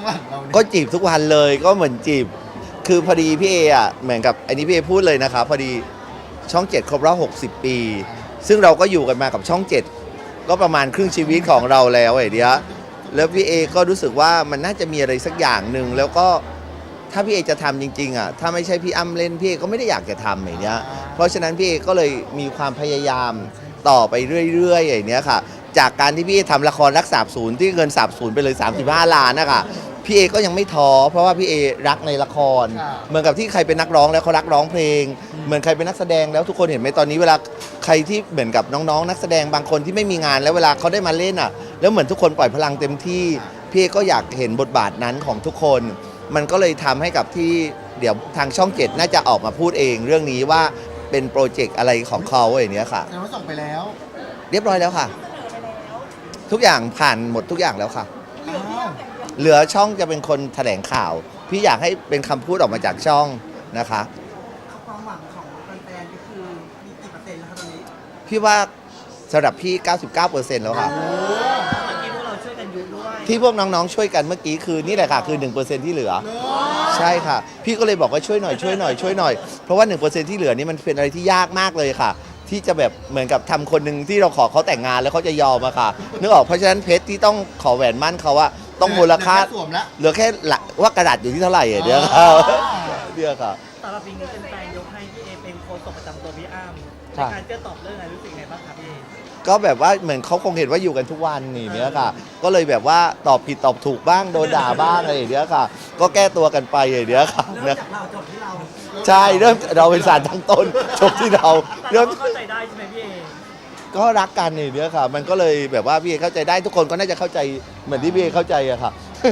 หลังเราก็จีบทุกวันเลยก็เหมือนจีบคือพอดีพี่เออ่ะเหมือนกับอันนี้พี่เอพูดเลยนะคะพอดีช่อง7ครบรอบ60 ปีซึ่งเราก็อยู่กันมากับช่อง7ก็ประมาณครึ่งชีวิตของเราแล้วไอ้เดียแล้วพี่เอก็รู้สึกว่ามันน่าจะมีอะไรสักอย่างหนึ่งแล้วก็ถ้าพี่เอจะทำจริงๆอ่ะถ้าไม่ใช่พี่อ้ำเล่นพี่เอก็ไม่ได้อยากจะทำอย่างเนี้ยเพราะฉะนั้นพี่เอก็เลยมีความพยายามต่อไปเรื่อยๆอย่างเนี้ยค่ะจากการที่พี่เอทำละครรักสาบสูญที่เงินสาบสูญไปเลย35 ล้านนะคะพี่เอก็ยังไม่ท้อเพราะว่าพี่เอรักในละครเหมือนกับที่ใครเป็นนักร้องแล้วเขารักร้องเพลงเหมือนใครเป็นนักแสดงแล้วทุกคนเห็นไหมตอนนี้เวลาใครที่เหมือนกับน้องๆนักแสดงบางคนที่ไม่มีงานแล้วเวลาเขาได้มาเล่นอ่ะแล้วเหมือนทุกคนปล่อยพลังเต็มที่พี่เอก็อยากเห็นบทบาทนั้นของทุกคนมันก็เลยทำให้กับที่เดี๋ยวทางช่อง7น่าจะออกมาพูดเองเรื่องนี้ว่าเป็นโปรเจกต์อะไรของเขาอย่างเนี้ยค่ะแต่ว่าส่งไปแล้วเรียบร้อยแล้วค่ะทุกอย่างผ่านหมดทุกอย่างแล้วค่ะอ้าวเหลือช่องจะเป็นคนแถลงข่าวพี่อยากให้เป็นคำพูดออกมาจากช่องนะคะความหวังของแฟนๆก็คือมีกี่เปอร์เซ็นต์แล้วครับตอนนี้พี่ว่าสำหรับพี่ 99% แล้วค่ะเมื่อกี้พวกเราช่วยกันยุด้วยที่พวกน้องๆช่วยกันเมื่อกี้คือนี่แหละค่ะคือ 1% ที่เหลือใช่ค่ะพี่ก็เลยบอกว่าช่วยหน่อยช่วยหน่อยช่วยหน่อยเพราะว่า 1% ที่เหลือนี่มันเป็นอะไรที่ยากมากเลยค่ะที่จะแบบเหมือนกับทำคนหนึ่งที่เราขอเขาแต่งงานแล้วเขาจะยอมอะค่ะนึกออกเพราะฉะนั้นเพชรที่ต้องขอแหวนมั่นเขาว่าต้องมูลค่าเหลือแค่หลักว่ากระดาษอยู่ที่เท่าไหร่เดี๋ยวค่ะเดี๋ยวค่ะสำหรับปีนี้เป็นแฟนยกให้พี่เอเป็นโค้ชประจำตัวพี่อ้ำในการเจอตอบเรื่องอะไรรู้สึกไงบ้างครับพี่เอก็แบบว่าเหมือนเขาคงเห็นว่าอยู่กันทุกวันนี่เนี้ยค่ะก็เลยแบบว่าตอบผิดตอบถูกบ้างโดนด่าบ้างอะไรอย่างเงี้ยค่ะก็แก้ตัวกันไปอย่างเงี้ยค่ะเริ่มจากเราจบที่เราใช่เริ่มเราเป็นสารตั้งต้นจบที่เราเริ่มเข้าใจได้ใช่ไหมพี่เอก็รักกันนี่เนี้ยค่ะมันก็เลยแบบว่าพี่เอเข้าใจได้ทุกคนก็น่าจะเข้าใจเหมือนที่พี่เอเข้าใจอะค่ะ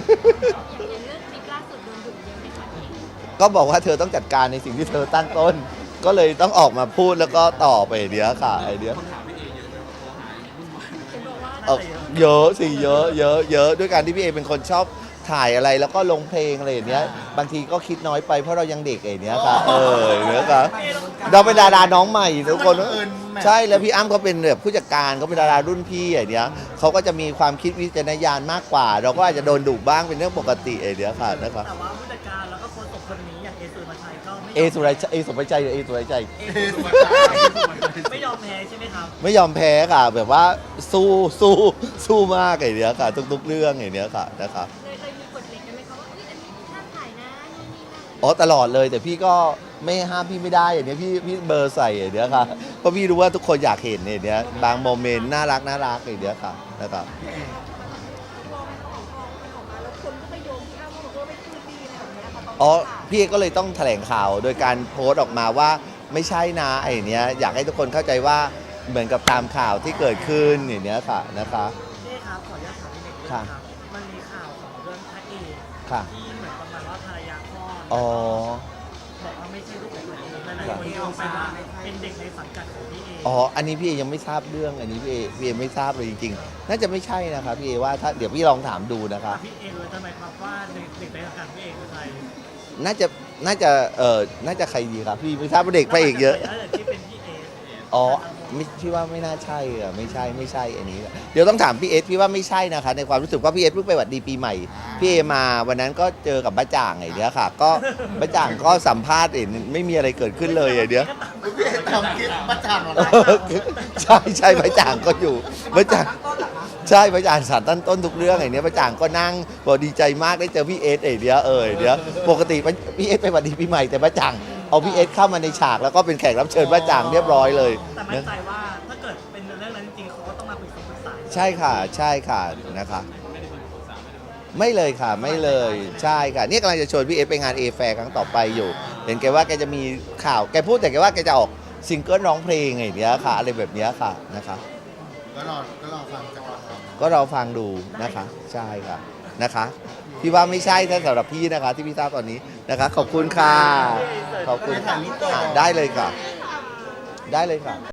ก็บอกว่าเธอต้องจัดการในสิ่งที่เธอตั้งต้นก็เลยต้องออกมาพูดแล้วก็ต่อไปเนี้ยค่ะไอเนี้ยเยอะสิเยอะเยอะเยอะด้วยการที่พี่เอเป็นคนชอบถ่ายอะไรแล้วก็ลงเพลงอะไรอย่างเนี้ยบางทีก็คิดน้อยไปเพราะเรายังเด็กอย่างเนี้ยค่ะเนี้ยค่ะเราเป็นดาราน้องใหม่ทุกคนใช่แล้วพี่อ้ำเขาเป็นแบบผู้จัดการเขาเป็นดารารุ่นพี่อย่างเนี้ยเขาก็จะมีความคิดวิจารณญาณมากกว่าเราก็อาจจะโดนดุบ้างเป็นเรื่องปกติอย่างเนี้ยค่ะนะครับแต่ว่าผู้จัดการแล้วก็โค้ชคนนี้อย่างเอสุรชัยก็เอสุรชัยเอสุรชัยเอสุรชัยไม่ยอมแพ้ใช่ไหมครับไม่ยอมแพ้ค่ะแบบว่าสู้มากอย่างเนี้ยค่ะทุกๆเรื่องอย่างเนี้ยค่ะนะครับเลยมีกฎเหล็กกันไหมคะว่าอันนี้ห้ามถ่ายนะนู่นนี่นั่นอ๋อตลอดเลยแต่พี่ก็ไม่ห้ามพี่ไม่ได้อย่างเนี้ยพี่เบอร์ใส่อย่างเนี้ยค่ะเพราะพี่รู้ว่าทุกคนอยากเห็นอย่างเนี้ยบางโมเมนต์น่ารักอย่างเนี้ยค่ะนะครับอ๋อพี่ก็เลยต้องแถลงข่าวโดยการโพสต์ออกมาว่าไม่ใช่นะไอ้เนี้ยอยากให้ทุกคนเข้าใจว่าเหมือนกับตามข่าวที่เกิดขึ้นอย่างเนี้ยค่ะนะคะนี่ครับขออนุญาตถามนิดนึงครับมันมีข่าวของเรื่องพระเอกที่เหมือนประมาณว่าภรรยาพ่อบอกว่าไม่ใช่ลูกของตัวเองหลายคนโยงไปว่าเป็นเด็กในสังกัดของพี่เออ๋ออันนี้พี่เอยังไม่ทราบเรื่องอันนี้พี่เอไม่ทราบเลยจริงๆน่าจะไม่ใช่นะคะพี่เอว่าถ้าเดี๋ยวพี่ลองถามดูนะคะพี่เอรู้ไหมครับว่าเด็กในสังกัดพี่เอคือใครน่าจะน่าจะใครดีครับพี่ไม่ทราบว่าเด็กพระเอกเยอะที่เป็นพี่เออ๋อไม่พี่ว่าไม่น่าใช่อะไม่ใช่อันนี้เดี๋ยวต้องถามพี่เอสพี่ว่าไม่ใช่นะคะในความรู้สึกว่าพี่เอสเพิ่งไปหวัดดีปีใหม่พี่เอมาวันนั้นก็เจอกับบ้าจ่างไอ้เนี้ยค่ะก็บ้าจ่างก็สัมภาษณ์ไม่มีอะไรเกิดขึ้นเลยไอ้เนี้ยพี่ทำคิดประจำหรอใช่บ้าจ่างก็อยู่บ้าจ่างใช่บ้าจ่างสารตั้งต้นทุกเรื่องไอ้เนี้ยบ้าจ่างก็นั่งบอกดีใจมากได้เจอพี่เอสไอ้เนี้ยเนี้ยปกติพี่เอสไปหวัดดีปีใหม่แต่บ้าจ่างเอาพี่เอสเข้ามาในฉากแล้วก็เป็นแขกรับเชิญบ้าจ่างเรียบร้อยเลยแต่มั่นใจว่าถ้าเกิดเป็นเรื่องนั้นจริงเขาก็ต้องมาปรึกษาใช่ค่ะนะคะไม่เลยค่ะไม่เลยใช่ค่ะนี่กำลังจะชวนพี่เอสไปงานเอแฟร์ครั้งต่อไปอยู่เห็นแกว่าแกจะมีข่าวแกพูดแต่แกว่าแกจะออกซิงเกิลร้องเพลงอย่างเงี้ยค่ะอะไรแบบเนี้ยค่ะนะคะก็รอฟังจากเราก็เราฟังดูนะคะใช่ค่ะนะคะพี่ว่าไม่ใช่ถ้าสำหรับพี่นะคะที่พี่ทราบตอนนี้นะคะขอบคุณค่ะขอบคุณได้เลยค่ะ